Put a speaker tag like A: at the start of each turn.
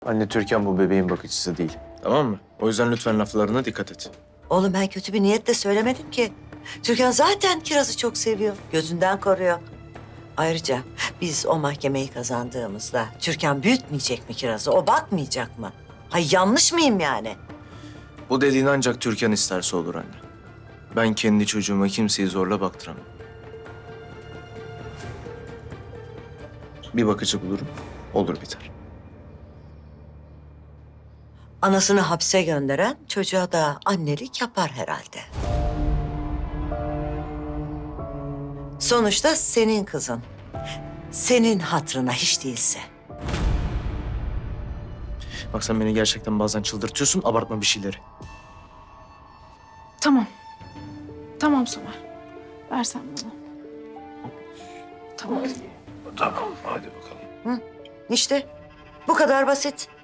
A: Anne, Türkan bu bebeğin bakıcısı değil. Tamam mı? O yüzden lütfen laflarına dikkat et.
B: Oğlum ben kötü bir niyetle söylemedim ki. Türkan zaten Kiraz'ı çok seviyor. Gözünden koruyor. Ayrıca biz o mahkemeyi kazandığımızda Türkan büyütmeyecek mi Kiraz'ı? O bakmayacak mı? Hay yanlış mıyım yani?
A: Bu dediğin ancak Türkan isterse olur anne. Ben kendi çocuğuma kimseyi zorla baktıramam. Bir bakıcı bulurum, olur biter.
B: Anasını hapse gönderen çocuğa da annelik yapar herhalde. Sonuçta senin kızın. Senin hatırına hiç değilse.
A: Bak sen beni gerçekten bazen çıldırtıyorsun, abartma bir şeyleri.
C: Tamam. Tamam Somer. Versen bana. Tamam.
A: Tamam, hadi bakalım.
B: İşte bu kadar basit.